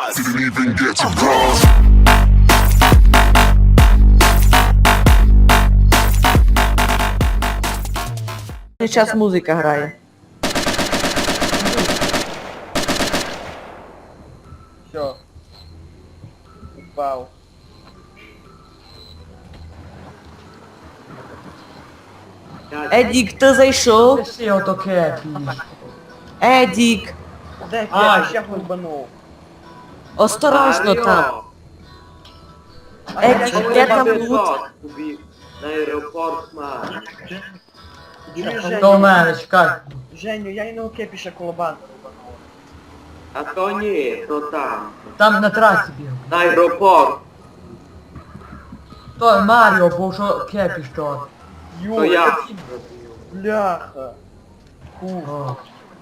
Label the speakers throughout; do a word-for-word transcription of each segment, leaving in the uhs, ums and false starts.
Speaker 1: bars. Didn't even get to cross.
Speaker 2: Зараз музика грає.
Speaker 3: Все. Упав.
Speaker 2: Едік, ти зайшов?
Speaker 4: Всі ото кепі.
Speaker 2: Едік,
Speaker 3: Де
Speaker 4: Ай.
Speaker 3: я ще глибанув?
Speaker 2: осторожно там. Едік, де там лут?
Speaker 5: На аеропорт має.
Speaker 3: Чуєш,
Speaker 4: До
Speaker 3: Женю?
Speaker 4: мене, чекай.
Speaker 3: Женю, я і на окепі ще колобан глибанув.
Speaker 5: А то ні, то там.
Speaker 4: Там на трасі біг.
Speaker 5: На аеропорт.
Speaker 4: То Маріо, бо що кепі що.
Speaker 5: То
Speaker 3: Йой,
Speaker 5: я.
Speaker 3: бляха. Фу.
Speaker 4: О.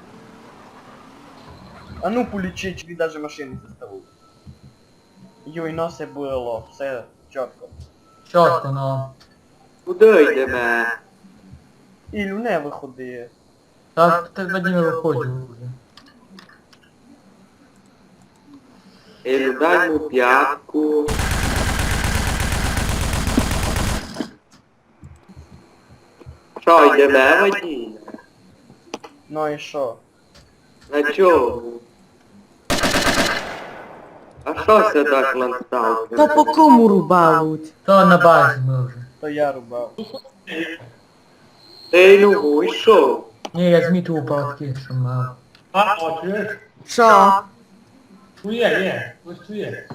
Speaker 3: А ну полічи, чи даже машини заставив. Йой, но все було, все чітко.
Speaker 4: Чорт, ну.
Speaker 5: Куди йдемо?
Speaker 3: Ілю, не виходи.
Speaker 4: Так, ти Вадим виходив вже.
Speaker 5: Ілю, дай му п'ятку. Що, йдемо, Вадим?
Speaker 3: Ну і що?
Speaker 5: На чому? А що це так лансталки?
Speaker 2: Та по кому рубають?
Speaker 4: То на базі ми вже.
Speaker 3: То я рубав.
Speaker 5: Ти Ілю вийшов?
Speaker 4: Ні, я змітив упадки, що мав.
Speaker 6: А, о, чуєш?
Speaker 2: Що?
Speaker 6: Чує, є, ось чує.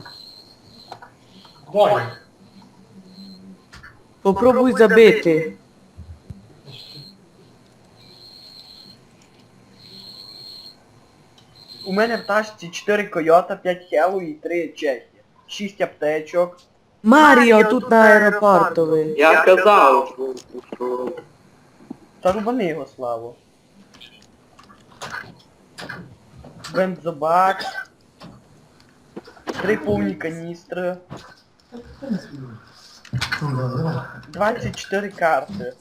Speaker 6: Бой.
Speaker 2: Попробуй забити.
Speaker 3: У мене в тачці чотири койота, п'ять хелу і три чехи. шість аптечок.
Speaker 2: Маріо тут на аеропортовий.
Speaker 5: Я казав, що вийшов.
Speaker 3: Та рубани його, Славу. Бензобак. Три повні каністри. двадцять чотири карти.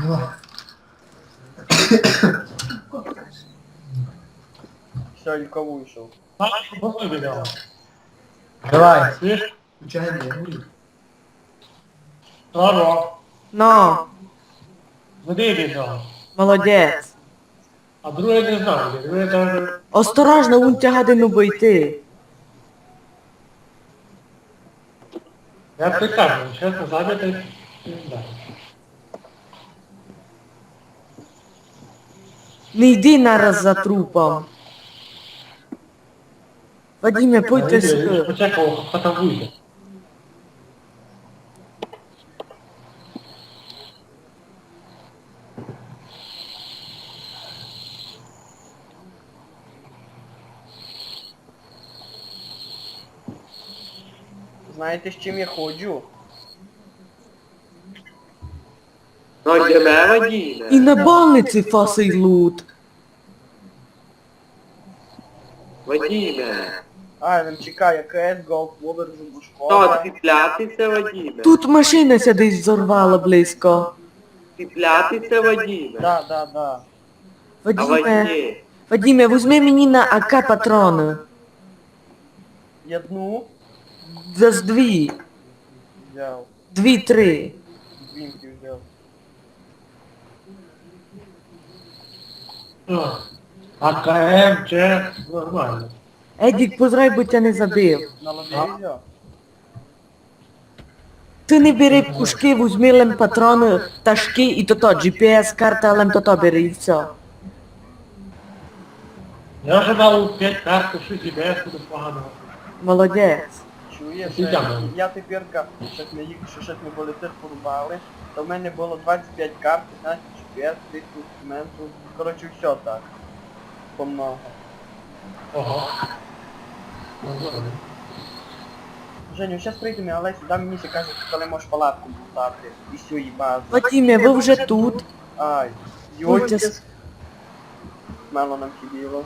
Speaker 3: Все, Ілько вийшов.
Speaker 6: А, просто відео.
Speaker 4: Давай.
Speaker 6: Чуєш? Здорово.
Speaker 2: Ну,
Speaker 6: Веди відео.
Speaker 2: молодець.
Speaker 6: А друге не знаю, друге даже...
Speaker 2: Осторожно, вон тягадину бойти.
Speaker 6: Я б так кажу, чесно, забити, не знаю.
Speaker 2: Не йди нараз за трупом. Вадиме, пойте
Speaker 6: Я ж
Speaker 2: сюди.
Speaker 6: почекав, хто там вийде.
Speaker 3: Знаєте, з чим я ходжу?
Speaker 5: Ну йдемо, Вадиме.
Speaker 2: І на больниці фасий лут.
Speaker 5: Вадиме.
Speaker 3: А, він чекає КС, Голд, Вовер,
Speaker 5: Що,
Speaker 3: Зубушкова.
Speaker 5: цеплятися, Вадиме?
Speaker 2: Тут машина ся десь зорвала близько.
Speaker 5: Цеплятися, Вадиме?
Speaker 3: Да, да, да.
Speaker 5: А
Speaker 2: Вадиме,
Speaker 5: Вадиме?
Speaker 2: Вадиме, візьми мені на АК патрони.
Speaker 3: Одну
Speaker 2: За з дві.
Speaker 3: взяв.
Speaker 2: Дві-три.
Speaker 3: Двінки взяв.
Speaker 6: О, А КМ, Ч, нормально.
Speaker 2: Едік, позрай, бо тя не забив.
Speaker 3: На лобі взяв.
Speaker 2: Ти не бери пушки, візьми лем патрони, ташки і то-то, джі пі ес карта, лем то-то бери і все.
Speaker 6: Я вже дав п'ять карт, шість і без, буде погано.
Speaker 2: Молодець.
Speaker 3: Чуєш,
Speaker 6: Ти
Speaker 3: е,
Speaker 6: там.
Speaker 3: я тепер, щось ми їх, що щось ми були тих порубали, то в мене було двадцять п'ять карт, п'ятнадцять джі пі ес, тридцять інструментів. Коротше, все так. Помного.
Speaker 6: Ого. Ну, добре.
Speaker 3: Женю, зараз прийдемо, але сюди мені ще кажуть, коли можеш палатку мотати. І всю її базу.
Speaker 2: Вадиме, ви вже тут.
Speaker 3: Ай,
Speaker 2: Будьте
Speaker 3: йойки.
Speaker 2: с-
Speaker 3: Мало нам хібіло.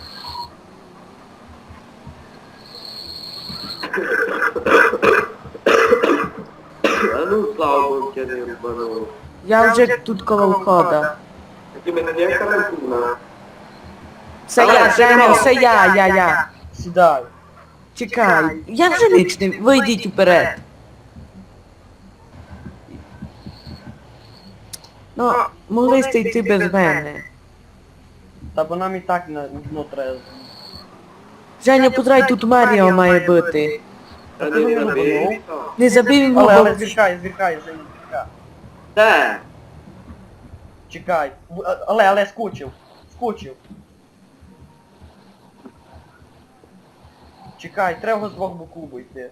Speaker 5: А ну, слава Богу, я не рубанув.
Speaker 2: Я вже тут коло входа.
Speaker 5: Вадиме, не карантина.
Speaker 2: Це я, Женя, це я, я, я.
Speaker 3: Сідай.
Speaker 2: Чекай, я вже ніч не... Ви йдіть уперед. Ну, могли сте йти без мене.
Speaker 3: Та бо нам і так на дно треба.
Speaker 2: Женя, позрай, тут Маріо має бути.
Speaker 5: Та не забив.
Speaker 2: Не забив він
Speaker 3: Але, але
Speaker 2: мого...
Speaker 3: звіркай, звіркай, Женя, звіркай.
Speaker 5: Де?
Speaker 3: Чекай. В- а- Але, але скучив. Скучив. Чекай, треба з двох боків йти.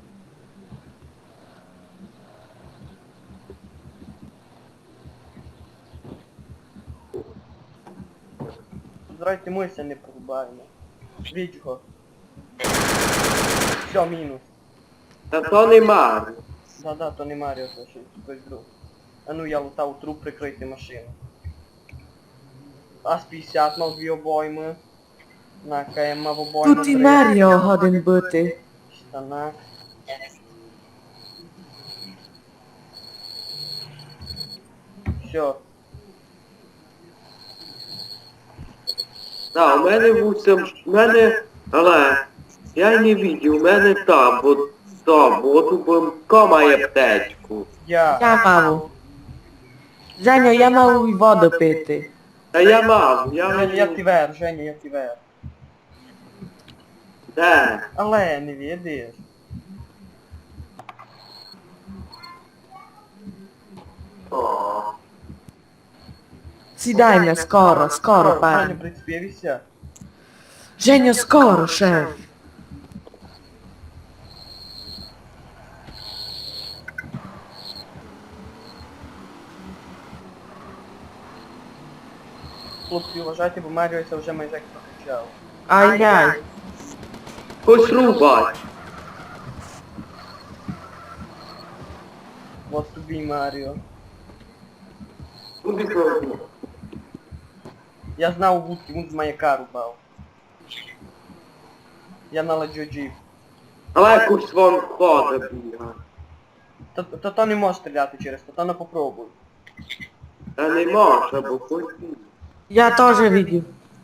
Speaker 3: Здрайте, ми ся не порубаємо. Біть його. Все, мінус.
Speaker 5: Та то нема.
Speaker 3: Да-да, то не Маріо, то ще хтось друг. А ну я лутав труп прикрити машину. ас п'ятдесят мав дві обойми. На КМ мав обойми.
Speaker 2: Тут і
Speaker 3: три.
Speaker 2: Маріо годин бути.
Speaker 3: Штанах. Все.
Speaker 5: Да, у мене вусім, у мене, але я й не бачив, у мене там, бо там, бо от у Бомка має аптечку.
Speaker 3: Я.
Speaker 2: Я мав. Женя, я мав і воду пити.
Speaker 5: Та я мав, я
Speaker 3: Женя, я
Speaker 5: мав.
Speaker 3: тівер, Женя, я тівер.
Speaker 5: Де?
Speaker 3: Але не відиш.
Speaker 5: О,
Speaker 2: Сідайме, скоро, скоро,
Speaker 3: Женя,
Speaker 2: пан.
Speaker 3: представився.
Speaker 2: Женя, скоро, шеф.
Speaker 3: Хлопці, вважайте, бо Маріо це вже майже як прокачав.
Speaker 2: Ай-яй.
Speaker 5: хоч рубай.
Speaker 3: Вот тобі Маріо.
Speaker 5: Куди пробу?
Speaker 3: Я знав вудки, він з маяка рубав. Я наладжу джип.
Speaker 5: Але якусь вон хода бігає.
Speaker 3: То, то, то не може стріляти через то, то не попробуй.
Speaker 5: Та не може, бо хоч бігає.
Speaker 2: Я теж видів.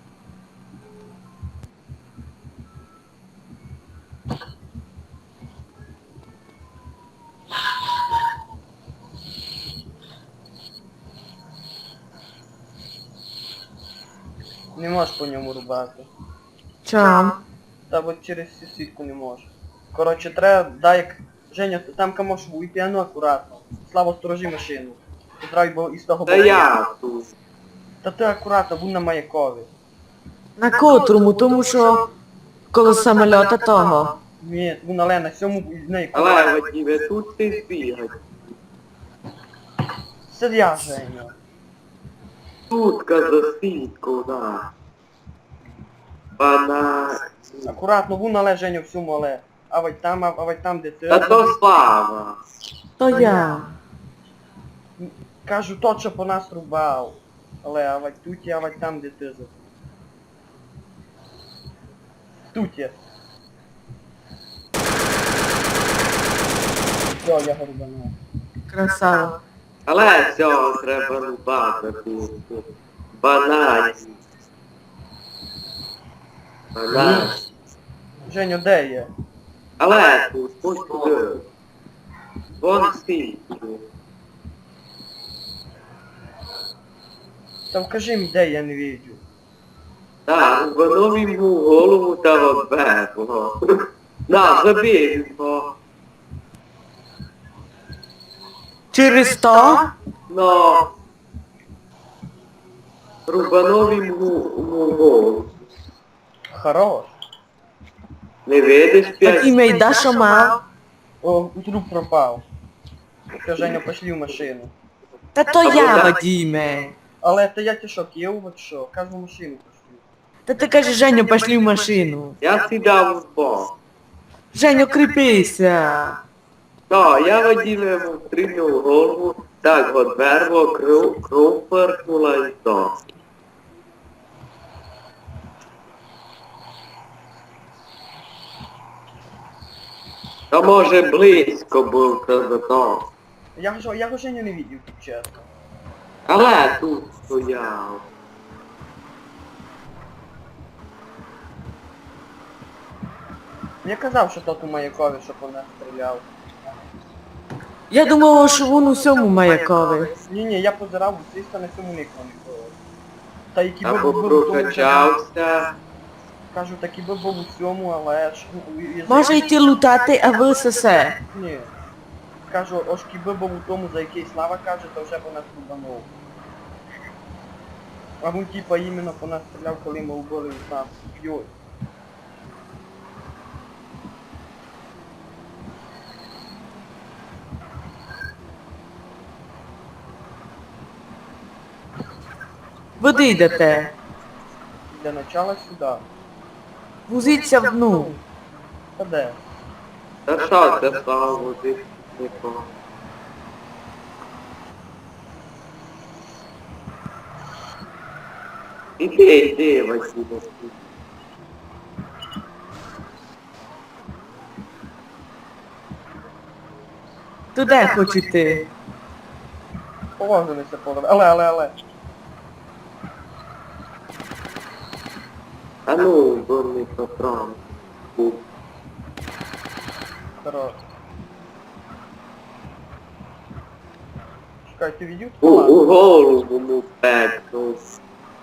Speaker 3: Не можеш по ньому рубати.
Speaker 2: Чом?
Speaker 3: Та от через цю сітку не можеш. Коротше, треба, дай як... Женя, ти там камош вийти, а ну акуратно. Слава, сторожи машину. Потрай, бо із того
Speaker 5: Та
Speaker 3: боку.
Speaker 5: я тут.
Speaker 3: Та ти акуратно, будь на маякові.
Speaker 2: На котрому, тому що коло самольота того.
Speaker 3: Ні, вон але на сьому з неї.
Speaker 5: Але Вадиме, тут ти збігай.
Speaker 3: Сидя, Женя.
Speaker 5: Тутка за сітку, да. Пана...
Speaker 3: Акуратно, вон але, Женя, всьому але. А вать там, а, а вать там, де ти.
Speaker 5: Та то слава.
Speaker 2: То я.
Speaker 3: Кажу, тот, що по нас рубав. Але, а вать тут є, а вать там, де ти за. Тут є. Все, я го рубанув.
Speaker 2: Красава.
Speaker 5: Але цього треба рубати тут. Банані. Банані.
Speaker 3: Женю, де є?
Speaker 5: Але тут, ось туди. Вон сітку.
Speaker 3: Та вкажи мені, де я не віджу.
Speaker 5: Так, воно йому голову та оббегло. На, забій його.
Speaker 2: Через то?
Speaker 5: Ну. Рубанов йому йому голову.
Speaker 3: Хорош.
Speaker 5: Не видиш
Speaker 2: Так
Speaker 5: п'ять?
Speaker 2: імей, да, що мав?
Speaker 3: О, труп пропав. Все, Женя, пошли в машину.
Speaker 2: Та то я, Вадиме.
Speaker 3: Але та я тішок, є от що, кажу в машину пошли.
Speaker 2: Та ти кажеш, Женю, пошли в машину.
Speaker 5: Я сідав в бок.
Speaker 2: Женю, кріпися.
Speaker 5: Так, я Вадиме йому стрільнув голову, так от верво, кров, кров перхнула і то. Та може близько був та за то.
Speaker 3: Я ж я його Женю не видів, тут чесно.
Speaker 5: Але тут стояв.
Speaker 3: Я казав, що тот у Маякові, щоб вона стріляв.
Speaker 2: Я думала, що він у всьому маяковий.
Speaker 3: Ні-ні, я позирав, звісно, на цьому нікого не було. Та які би
Speaker 5: Або
Speaker 3: був у тому,
Speaker 5: прокачався.
Speaker 3: кажу, такі би був у цьому, але ж... ну, язик-
Speaker 2: Може йти лутати, а ви сесе.
Speaker 3: Ні. Кажу, ось кіби був у тому, за який Слава каже, то вже б нас рубанув. А він типа іменно по нас стріляв, коли ми убили там. Йой.
Speaker 2: Ви де йдете?
Speaker 3: Для начала сюди.
Speaker 2: Вузіться в ну.
Speaker 3: Та де?
Speaker 5: Та що це стало води? Нікого. Іди, іди, Василь.
Speaker 2: Туди хочу йти.
Speaker 3: Положилися поле. Але, але, але.
Speaker 5: А ну, бурний патрон. Був.
Speaker 3: Хорош. Чекай, ти відів?
Speaker 5: У, у голову му пекнув.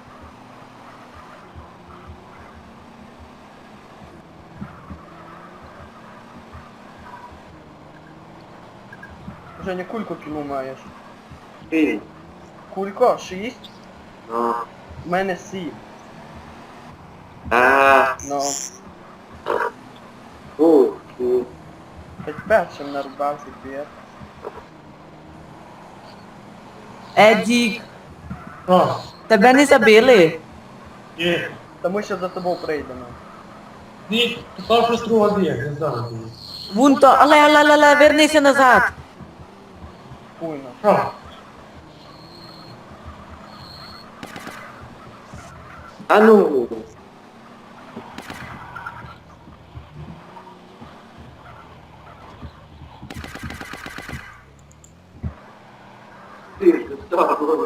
Speaker 3: Женя, кульку кіну маєш.
Speaker 5: Ти.
Speaker 3: Кулько, шість.
Speaker 5: Ну.
Speaker 3: У мене сім.
Speaker 5: А.
Speaker 3: Ну,
Speaker 5: Ух, ти.
Speaker 3: хоч першим нарубався п'єр.
Speaker 2: Едік,
Speaker 6: О,
Speaker 2: тебе не забили?
Speaker 6: ні.
Speaker 3: Та ми ще за тобою прийдемо.
Speaker 6: Ні, ти пав щось друга б'є, не знаю.
Speaker 2: Вон то, але, але, але, але, вернися назад.
Speaker 3: Хуйно.
Speaker 6: О,
Speaker 5: А ну. Ти, що?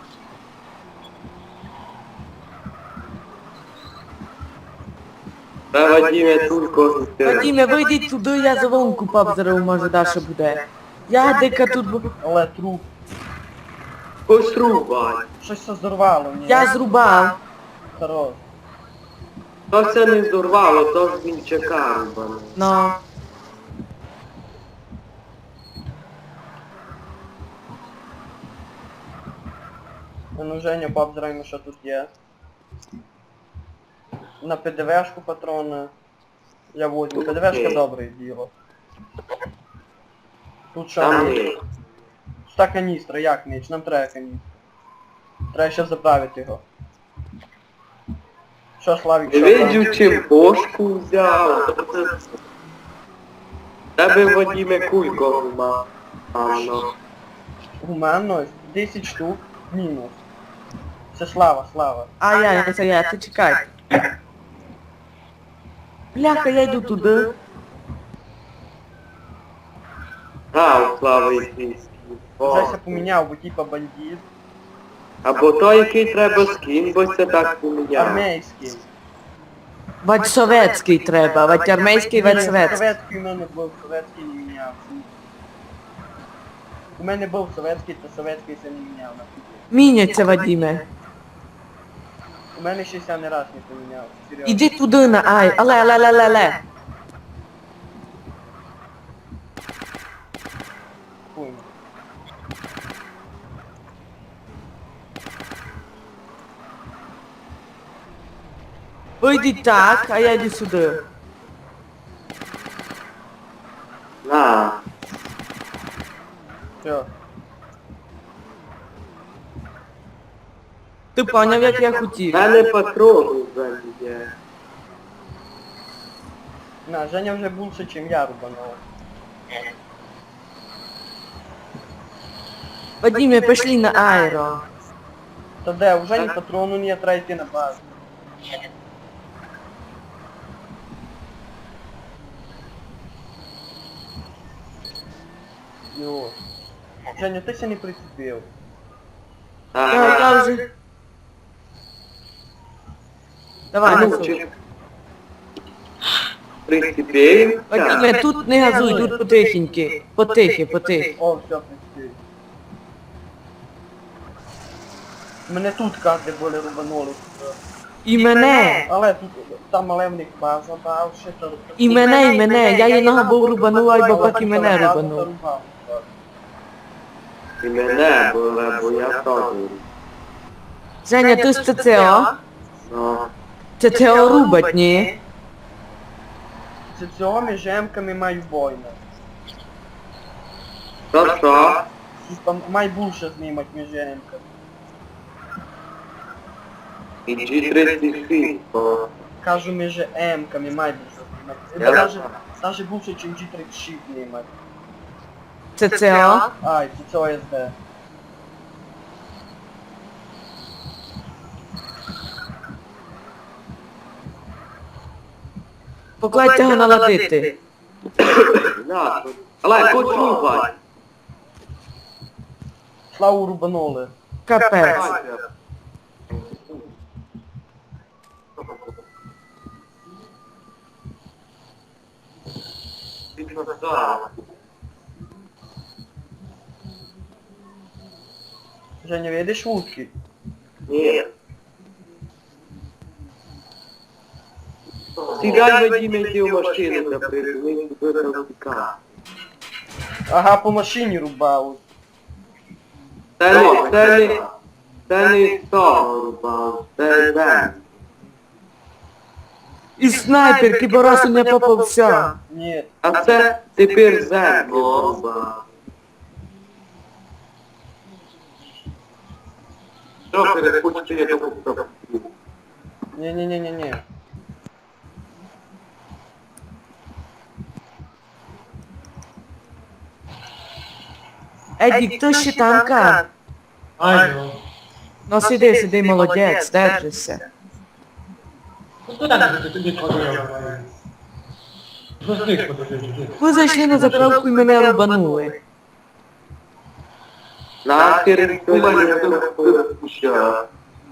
Speaker 5: Та Вадиме тулько.
Speaker 2: Вадиме, вийди туди, я за вонку побзерив, може далі буде. Я дека тут, бу-
Speaker 3: Але труп.
Speaker 5: Пострубай.
Speaker 3: Щось все зорвало, ні?
Speaker 2: я зрубав.
Speaker 3: Хорош.
Speaker 5: То все не здорвало, то ж він чекав, бано.
Speaker 2: Ну,
Speaker 3: Ну, Женя, пообзираємо, що тут є. На ПДВшку патрони. Я возьму. ПДВшка
Speaker 5: Окей.
Speaker 3: добре діло. Тут що?
Speaker 5: Там
Speaker 3: є?
Speaker 5: ні.
Speaker 3: Ста каністра, як ніч? Нам треба каністра. Треба ще заправити його. Що, Славік,
Speaker 5: Не
Speaker 3: що там?
Speaker 5: видів, чим бошку взяв. Тебе Вадиме кулько мав. Ано.
Speaker 3: Гуманно, десять штук, мінус. Це слава, слава.
Speaker 2: а я, не це я, ти чекай. Бляха, я йду туди.
Speaker 5: А, слава якийсь.
Speaker 3: Вже все поміняв, бо типа бандит.
Speaker 5: Або той, який треба скін, бо це так поміняв.
Speaker 3: Армейський.
Speaker 2: Вать советський треба, вать армейський, вать
Speaker 3: Ні,
Speaker 2: советський.
Speaker 3: Советський у мене був, советський не міняв. У мене був советський, то советський це не міняв на фігі.
Speaker 2: Міняться, Вадиме.
Speaker 3: У мене ще ся не раз не поміняв. Серйозно.
Speaker 2: Іди туди на ай, але, але, але, але, але.
Speaker 3: Хуйно.
Speaker 2: Вийди так, а я йду сюди.
Speaker 5: На.
Speaker 3: Все.
Speaker 2: Ти поняв, як я
Speaker 5: В
Speaker 2: хотів.
Speaker 5: мене патрони вже є.
Speaker 3: На, Женя вже більше, ніж я рубанув.
Speaker 2: Вадиме, пішли на аеро.
Speaker 3: Та де, вже ні патрону не треба йти на базу. Йо. Женя, ти ще не прицепив.
Speaker 2: Я,
Speaker 5: Ага.
Speaker 2: я вже... Давай,
Speaker 5: А ну,
Speaker 2: несу.
Speaker 5: чи- Прицепився?
Speaker 2: Вадиме, тут не газуй, тут потихеньки. Потихи, потихи.
Speaker 3: О, все, прицепив. Мене тут карти були рубанули.
Speaker 2: І мене.
Speaker 3: Але тут там але в них база дав, ще то...
Speaker 2: І мене, і мене. Я єдного був рубанула, і бабак і мене
Speaker 3: База
Speaker 2: рубанув.
Speaker 3: зарубав.
Speaker 5: І мене було, бо я теж.
Speaker 2: Женя, ти з ЦЦО?
Speaker 5: Ну,
Speaker 2: ЦЦО рубать, ні?
Speaker 3: З цього жемками маю бойна.
Speaker 5: то що?
Speaker 3: Типа, май більше знімати між жемками.
Speaker 5: І джі тридцять шість, бо...
Speaker 3: Кажу між емками, май більше знімати.
Speaker 5: Я-
Speaker 3: Даже, даже більше, ніж джі тридцять шість знімати.
Speaker 2: ЦЦО?
Speaker 3: Ай, це цього ес де.
Speaker 2: Покладьте його наладити.
Speaker 5: На, тут. Але почувай.
Speaker 3: Славу рубанули.
Speaker 2: Капець.
Speaker 3: Женя, видиш вудки?
Speaker 5: Ні. Сідай, Вадим, йди в машину, та прижми тебе до втіка.
Speaker 3: Ага, по машині рубав.
Speaker 5: Це не, це не, це не з того рубав, це Бен.
Speaker 2: І снайперки, бо раз у не попався.
Speaker 3: Ні,
Speaker 5: А це тепер зеркало рубав. Що перепустити, я думаю, що
Speaker 3: ні, ні, ні, ні, ні.
Speaker 2: Едік, хто ще танка?
Speaker 6: Ай, ну.
Speaker 2: Ну сиди, сиди, молодець, держишся.
Speaker 6: Ну куди ти тоді ходив? Що з них подивився?
Speaker 2: Ви зайшли на заправку і мене рубанули.
Speaker 5: нахер думаю, що що.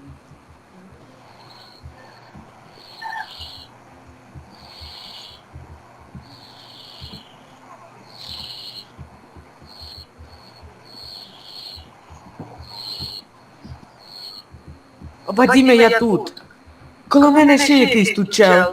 Speaker 2: Вадиме, я тут. Коло мене ще якийсь тут чел.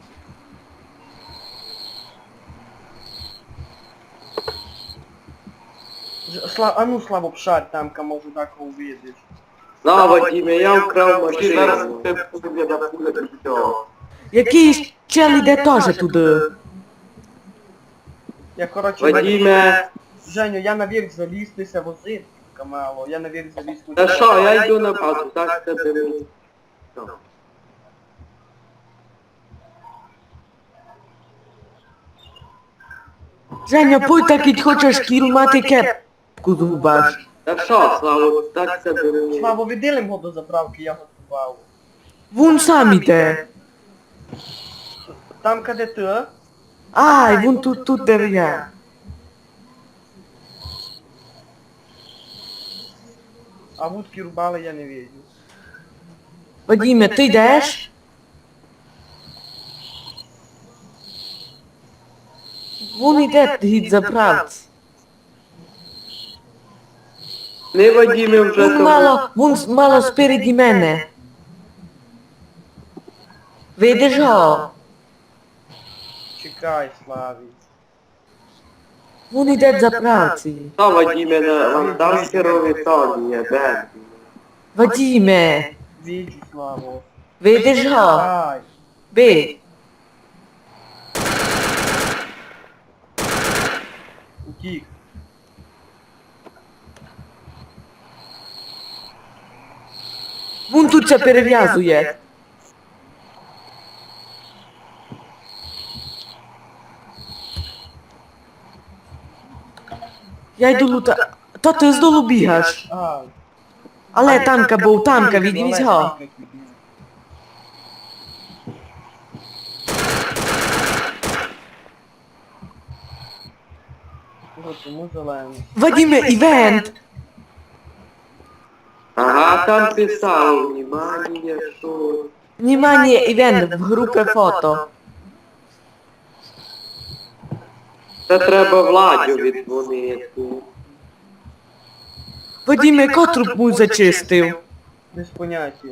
Speaker 3: Ж- Сла... А ну слабо пшать тамка, може так увидиш.
Speaker 5: На, Вадиме, я вкрав машину. Зараз це буде на пулі все.
Speaker 2: Якийсь чел іде теж туди.
Speaker 3: Я коротше...
Speaker 5: Вадиме,
Speaker 3: Женю, я наверх залізтися возити мало. Я наверх заліз.
Speaker 5: та що, я йду на базу, так тебе не... Що?
Speaker 2: Женя, пуй так і хочеш кіл мати кепку зубаш.
Speaker 5: Та що, Славо, так тебе не...
Speaker 3: Слабо, відділим його до заправки, я готував.
Speaker 2: Вон сам іде.
Speaker 3: Там де ти?
Speaker 2: Ай, вон тут, тут де я.
Speaker 3: А вудки рубали я не видів.
Speaker 2: Вадиме, ти йдеш? Вон іде від заправці.
Speaker 5: Не, Вадиме, вже
Speaker 2: Вон
Speaker 5: там...
Speaker 2: мало, вон мало спереді мене. Видиш його?
Speaker 3: Чекай, Славі.
Speaker 2: Вон іде від заправці.
Speaker 5: Та, Вадиме, на вандамсерові тоні, є, Бен.
Speaker 2: Вадиме,
Speaker 3: Віджу, Славу.
Speaker 2: видиш його?
Speaker 3: Ай.
Speaker 2: Ви.
Speaker 3: Утік.
Speaker 2: Вон тут це перев'язує. Я йду лута... Та ти здолу бігаєш.
Speaker 3: Ай.
Speaker 2: Але танка був, танка, відвізь його.
Speaker 3: Чому зелений?
Speaker 2: Вадиме, івент.
Speaker 5: Ага, там писав, внимание, що...
Speaker 2: Внимание, івент в групі фото.
Speaker 5: Це треба Владю віддзвонити.
Speaker 2: Вадиме, яку трубу зачистив?
Speaker 3: Без поняття.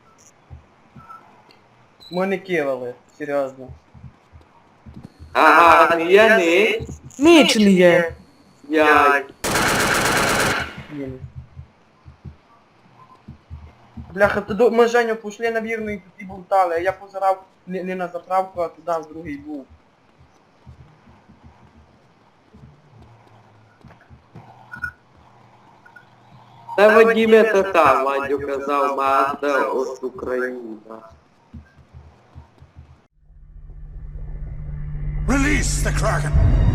Speaker 3: Ми не кивали, серйозно.
Speaker 5: Ага, я не.
Speaker 2: Ніч не є.
Speaker 5: Я.
Speaker 3: Блін. Бляха, туди ми Женю пішли на вірну і тоді болтали, а я позирав не, не на заправку, а туди в другий був.
Speaker 5: Та Вадиме та та, Владю казав, Мазда от Україна.
Speaker 1: Release the Kraken.